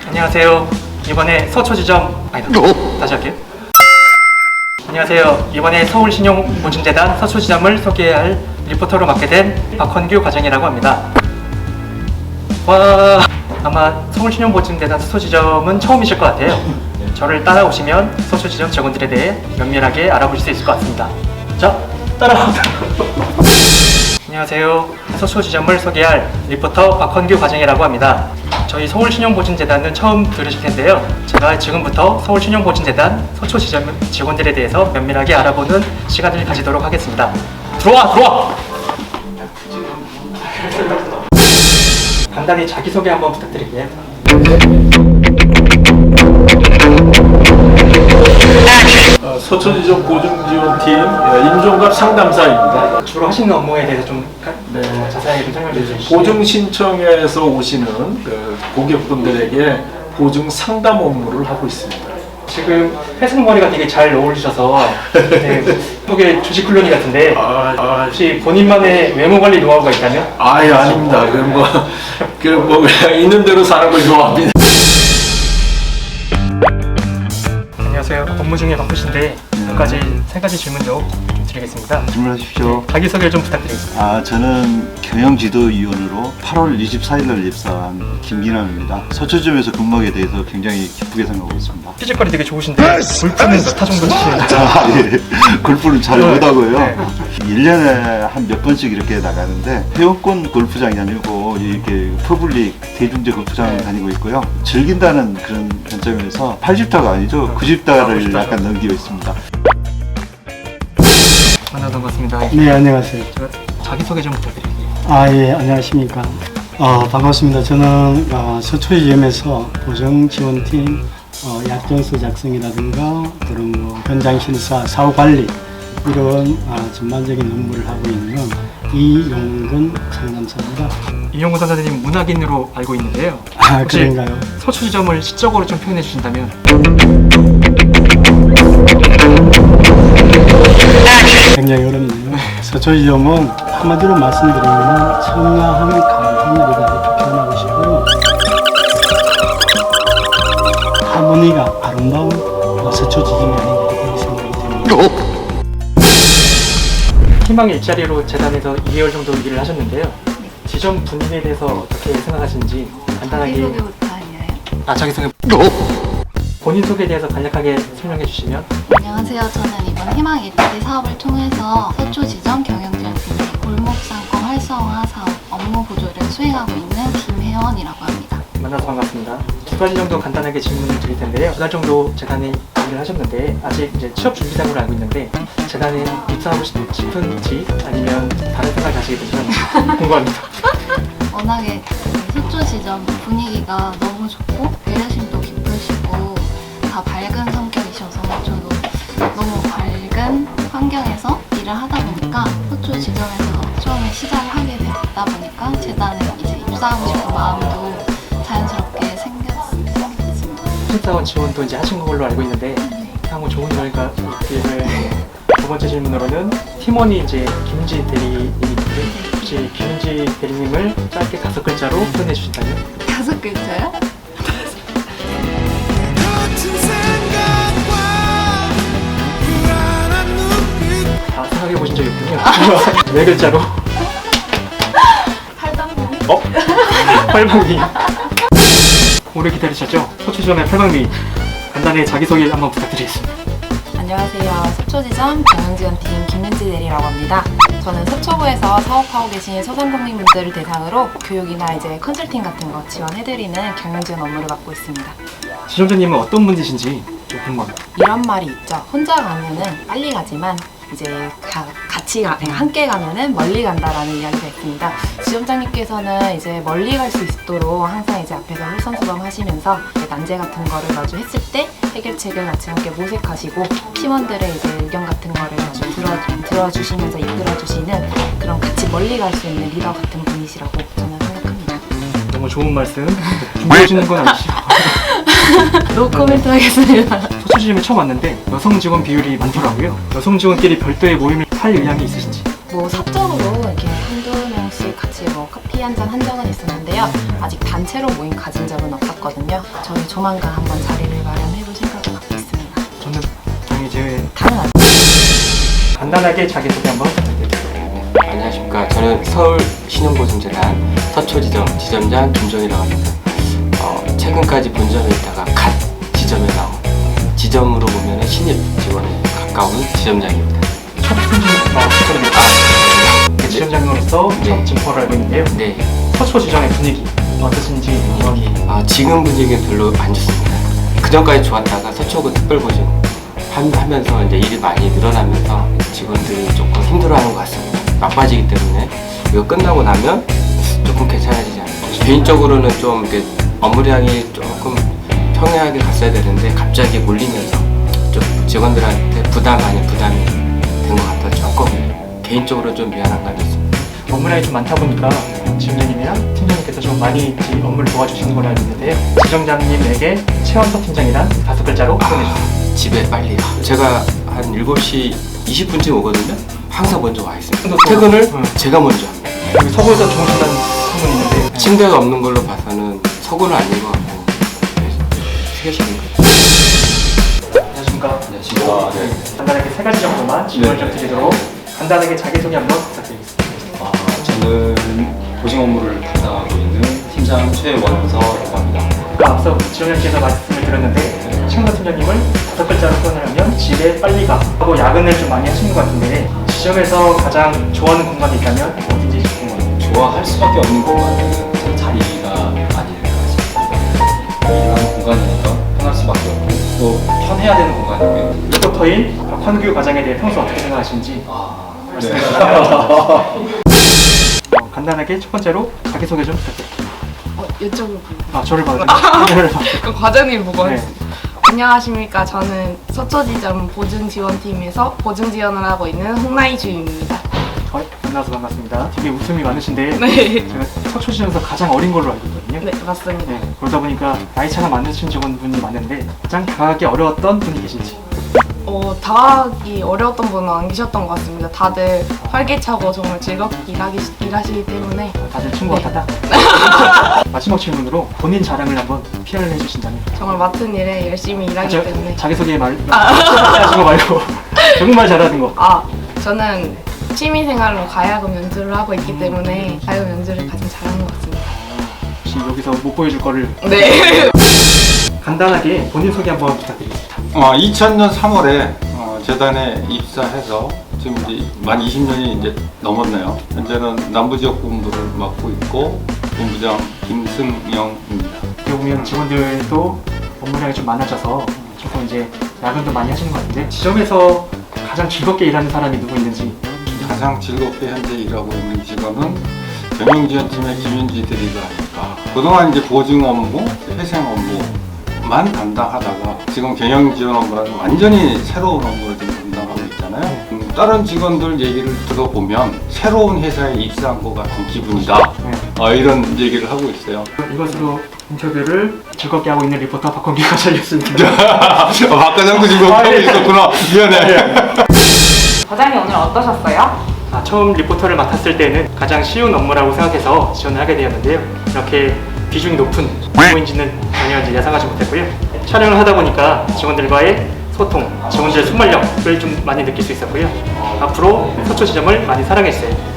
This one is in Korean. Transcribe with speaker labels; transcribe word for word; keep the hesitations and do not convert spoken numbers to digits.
Speaker 1: 안녕하세요. 이번에 서초지점 아니다. 다시 할게요. 안녕하세요. 이번에 서울신용보증재단 서초지점을 소개할 리포터로 맡게 된 박헌규 과장이라고 합니다. 와, 아마 서울신용보증재단 서초지점은 처음이실 것 같아요. 저를 따라오시면 서초지점 직원들에 대해 면밀하게 알아보실 수 있을 것 같습니다. 자, 따라옵니다. 안녕하세요. 서초지점을 소개할 리포터 박헌규 과장이라고 합니다. 저희 서울신용보증재단은 처음 들으실 텐데요. 제가 지금부터 서울신용보증재단 서초지점 직원들에 대해서 면밀하게 알아보는 시간을 가지도록 하겠습니다. 들어와! 들어와! 간단히 자기소개 한번 부탁드릴게요.
Speaker 2: 어, 서초지점 보증지원팀 임종갑 상담사입니다.
Speaker 1: 주로 하시는 업무에 대해서 좀 네. 자세하게 좀 설명해 주시죠.
Speaker 2: 보증 신청에서 오시는 그 고객분들에게 보증 상담 업무를 하고 있습니다.
Speaker 1: 지금 회색 머리가 되게 잘 어울리셔서 네, 속에 주식 클로니 같은데
Speaker 2: 아, 아,
Speaker 1: 혹시 본인만의 외모 관리 노하우가 있다면?
Speaker 2: 아예 아닙니다. 그 뭐, 그 뭐 그냥 있는 대로 사는 걸 좋아합니다.
Speaker 1: 안녕하세요. 업무 중에 바쁘신데 몇 가지, 세 가지 질문도 좀 드리겠습니다.
Speaker 3: 질문하십시오.
Speaker 1: 네, 자기소개를 좀 부탁드리겠습니다.
Speaker 3: 아, 저는 경영지도위원으로 팔월 이십사일날 입사한 김기남입니다. 서초점에서 근무하게 돼서 굉장히 기쁘게 생각하고 있습니다.
Speaker 1: 피지컬이 되게 좋으신데 골프는 몇 타 정도 치시는지?
Speaker 3: 아, 예. 골프는 잘 못하고요.
Speaker 1: 네.
Speaker 3: 일 년에 한 몇 번씩 이렇게 나가는데 회원권 골프장이 아니고 이렇게 퍼블릭 대중제 골프장 다니고 있고요. 즐긴다는 그런 관점에서 팔십 타가 아니죠. 구십 타를 약간 넘기고 있습니다.
Speaker 1: 만나던 것 같습니다.
Speaker 4: 네, 안녕하세요.
Speaker 1: 제가 자기소개 좀 부탁드릴게요.
Speaker 4: 아, 예, 안녕하십니까. 어, 반갑습니다. 저는 어, 서초지점에서 보증지원팀 어, 약정서 작성이라든가 그런 뭐 현장 심사, 사후 관리 이런 어, 전반적인 업무를 하고 있는 이용근 상담사입니다.
Speaker 1: 이용근 선생님 문학인으로 알고 있는데요.
Speaker 4: 아,
Speaker 1: 혹시
Speaker 4: 그런가요?
Speaker 1: 서초지점을 시적으로 좀 표현해 주신다면?
Speaker 4: 굉장히 어렵네요. 서초지점은 한마디로 말씀드리면 청아한 강하늘이다 이렇게 표현하고 싶고요. 하모니가 아름다운 서초지점이 아닌가 이렇게 생각이 듭니다.
Speaker 1: 희망 일자리로 재단에서 이 개월 정도 일을 하셨는데요. 지점 분위기에 대해서 어떻게 생각하시는지 간단하게.
Speaker 5: 자기소개부터 아니에요?
Speaker 1: 아, 자기소개. 본인 소개에 대해서 간략하게 설명해 주시면.
Speaker 5: 안녕하세요. 저는 이번 희망 일자리 사업을 통해서 서초지점 경영지원팀의 골목상권 활성화 사업 업무 보조를 수행하고 있는 김혜원이라고 합니다.
Speaker 1: 만나서 반갑습니다. 두 가지 정도 간단하게 질문을 드릴 텐데요. 두 달 정도 재단에 일을 하셨는데 아직 이제 취업 준비생으로 알고 있는데 재단에 입사하고 싶은지 아니면 다른 생각을 하시게 되시면 궁금합니다.
Speaker 5: 워낙에 서초지점 분위기가 너무 좋고 배려심도 깊으시고 다 밝은 성격이셔서 저도 너무 밝은 환경에서 일을 하다 보니까 서초지점에서 처음에 시작을 하게 됐다 보니까 재단에 이제 입사하고 싶은 마음도 자연스럽게 생겼습니다.
Speaker 1: 신입사원 지원도 이제 하신 걸로 알고 있는데 향후 좋은 결과 있기를. 두 번째 질문으로는 팀원이 이제 김지 대리님인데 혹시 김지 대리님을 짧게 다섯 글자로 표현해 주신다면?
Speaker 5: 다섯 글자요?
Speaker 1: 다 생각해 보신 적이 있군요. 네 글자로.
Speaker 5: 팔방미?
Speaker 1: 어? 팔방미. 오래 기다리셨죠? 서초지점의 팔방미. 간단히 자기소개 한번 부탁드리겠습니다.
Speaker 6: 안녕하세요. 서초지점 경영지원팀 김윤지 대리라고 합니다. 저는 서초구에서 사업하고 계신 소상공인분들을 대상으로 교육이나 이제 컨설팅 같은 거 지원해드리는 경영지원 업무를 맡고 있습니다.
Speaker 1: 지점장님은 어떤 분이신지 좀 궁금합니다.
Speaker 6: 이런 말이 있죠. 혼자 가면은 빨리 가지만 이제 가, 같이 가, 함께 가면은 멀리 간다라는 이야기가 있습니다. 지점장님께서는 이제 멀리 갈 수 있도록 항상 이제 앞에서 홀선수범 하시면서 난제 같은 거를 마주했을 때 해결책을 같이 함께 모색하시고 팀원들의 이제 의견 같은 거를 마주 들어, 들어주시면서 이끌어주시는 그런 같이 멀리 갈 수 있는 리더 같은 분이시라고 저는 생각합니다.
Speaker 1: 너무 좋은 말씀. 준비하시는 건 아니시죠?
Speaker 6: 노 코멘트 하겠습니다.
Speaker 1: 서초지점에 처음 왔는데 여성 직원 비율이 많더라고요. 여성 직원끼리 별도의 모임을 할 의향이 있으신지?
Speaker 6: 뭐 사적으로 이렇게 한두 명씩 같이 뭐 커피 한 잔 한 적은 있었는데요. 아직 단체로 모임 가진 적은 없었거든요. 있거든요. 저희 조만간 한번 자리를 마련해볼 생각을 갖고 있습니다.
Speaker 1: 저는 당연히 제
Speaker 6: 당연하죠.
Speaker 1: 간단하게 자기소개 한번 부탁드립니다.
Speaker 7: 안녕하십니까. 저는 서울신용보증재단 서초지점 지점장 김종이라고 합니다. 어, 최근까지 본점에 있다가 갓 지점에 나온 지점으로 보면 신입 직원에 가까운 지점장입니다.
Speaker 1: 첫 승진부터 축하드립니다. 지점장으로서
Speaker 7: 네.
Speaker 1: 첫 진포를 알고 있는데요.
Speaker 7: 네.
Speaker 1: 서초 지점의 분위기 어떠신지 여기
Speaker 7: 아, 지금 분위기는 별로 안 좋습니다. 그 전까지 좋았다가 서초구 특별보증 한- 하면서 이제 일이 많이 늘어나면서 직원들이 조금 힘들어하는 것 같습니다. 나빠지기 때문에 이거 끝나고 나면 조금 괜찮아지지 않을까. 개인적으로는 좀 이렇게 업무량이 조금 평행하게 갔어야 되는데 갑자기 몰리면서 좀 직원들한테 부담 아닌 부담이 된 것 같아 조금 개인적으로 좀 미안한 감이 있습니다.
Speaker 1: 업무량이 좀 많다 보니까 지점장님이랑 팀장님께서 좀 많이 이 업무를 도와주시는 걸로 알고 있는데요. 지점장님에게 최원석 팀장이란 다섯 글자로 표현해 주세요.
Speaker 7: 아, 집에 빨리 가. 제가 한 일곱 시 이십 분쯤 오거든요. 항상 먼저 와 있습니다. 퇴근을
Speaker 1: 응.
Speaker 7: 제가 먼저 합니다.
Speaker 1: 여기 서구에서 주무신다는 소문이 있는데
Speaker 7: 침대가 없는 걸로 봐서는 서구는 아닌 것 같고 휴게실인 것 같아요.
Speaker 1: 안녕하십니까?
Speaker 8: 안녕하십니까. 네.
Speaker 1: 간단하게 세 가지 정도만 질문을 좀 드리도록 간단하게 자기소개 한번 부탁드리겠습니다.
Speaker 8: 아, 저는 보증 업무를 담당하고 있는 팀장 최원서라고 합니다.
Speaker 1: 아까 앞서 지원장님께서 말씀을 드렸는데 최원석 팀장님을 다섯 글자로 표현을 하면 집에 빨리 가 하고 야근을 좀 많이 하시는 것 같은데 지점에서 가장 좋아하는 공간이 있다면 어딘지 궁금해요.
Speaker 8: 좋아할 수밖에 없는 공간은 제 자리가 아닐까 싶습니다. 일하는 공간이니까 편할 수밖에 없고 또 편해야 되는 공간이고요.
Speaker 1: 리포터인 박환규 과장에 대해 평소 어떻게 생각하시는지
Speaker 8: 아,
Speaker 1: 말씀해
Speaker 8: 네.
Speaker 1: 주시면 어, 간단하게 첫 번째로 자기소개 좀 부탁드립니다.
Speaker 9: 어, 이쪽으로
Speaker 1: 아 저를 봐요. 저를 봐요.
Speaker 9: 그 과장님 보고
Speaker 1: 네.
Speaker 9: 하겠습니다. 안녕하십니까. 저는 서초지점 보증지원팀에서 보증지원을 하고 있는 홍나희 주임입니다.
Speaker 1: 어, 만나서 반갑습니다. 되게 웃음이 많으신데
Speaker 9: 네.
Speaker 1: 제가 서초시에서 가장 어린 걸로 알고 있거든요.
Speaker 9: 네, 맞습니다.
Speaker 1: 네, 그러다 보니까 나이 차가 많으신 직원분이 많은데 가장 다가가기 어려웠던 분이 계신지.
Speaker 9: 어, 다가기 어려웠던 분은 안 계셨던 것 같습니다. 다들 활기차고 정말 즐겁게 일하기, 일하시기 때문에
Speaker 1: 다들 친구
Speaker 9: 네.
Speaker 1: 같았다. 마지막 질문으로 본인 자랑을 한번 피아를 해주신다면.
Speaker 9: 정말 맡은 일에 열심히 일하기
Speaker 1: 자,
Speaker 9: 때문에
Speaker 1: 자기소개 말 하신 거 말고 정말 잘하는 거.
Speaker 9: 아, 저는 취미생활로 가야금 연주를 하고 있기 때문에 가야금 연주를 가장 잘하는 것 같습니다.
Speaker 1: 혹시 여기서 못 보여줄 거를
Speaker 9: 네.
Speaker 1: 간단하게 본인 소개 한번 부탁드립니다.
Speaker 10: 어, 이천 년 삼월에 어, 재단에 입사해서 지금 이제 만 이십 년이 이제 넘었네요. 현재는 남부지역 본부를 맡고 있고 본부장 김승영입니다.
Speaker 1: 여기 보면 직원들도 업무량이 좀 많아져서 조금 이제 야근도 많이 하시는 것 같은데 지점에서 가장 즐겁게 일하는 사람이 누구 있는지.
Speaker 10: 가장 즐겁게 현재 일하고 있는 직원은 경영지원팀의 김윤지 대리가 아닐까. 그동안 이제 보증 업무, 회생 업무만 담당하다가 지금 경영지원 업무라는 완전히 새로운 업무를 지금 담당하고 있잖아요. 음, 다른 직원들 얘기를 들어보면 새로운 회사에 입사한 것 같은 기분이다.
Speaker 1: 네.
Speaker 10: 어, 이런 얘기를 하고 있어요.
Speaker 1: 이것으로 인터뷰를 즐겁게 하고 있는 리포터 박헌기 과장이었습니다.
Speaker 10: 박 과장도 지금 하고 있었구나. 미안해.
Speaker 6: 과장님 오늘 어떠셨어요?
Speaker 1: 아, 처음 리포터를 맡았을 때는 가장 쉬운 업무라고 생각해서 지원을 하게 되었는데요. 이렇게 비중이 높은 업무인지는 전혀 이제 예상하지 못했고요. 촬영을 하다 보니까 직원들과의 소통, 직원들의 순발력을 좀 많이 느낄 수 있었고요. 앞으로 서초 지점을 많이 사랑해주세요.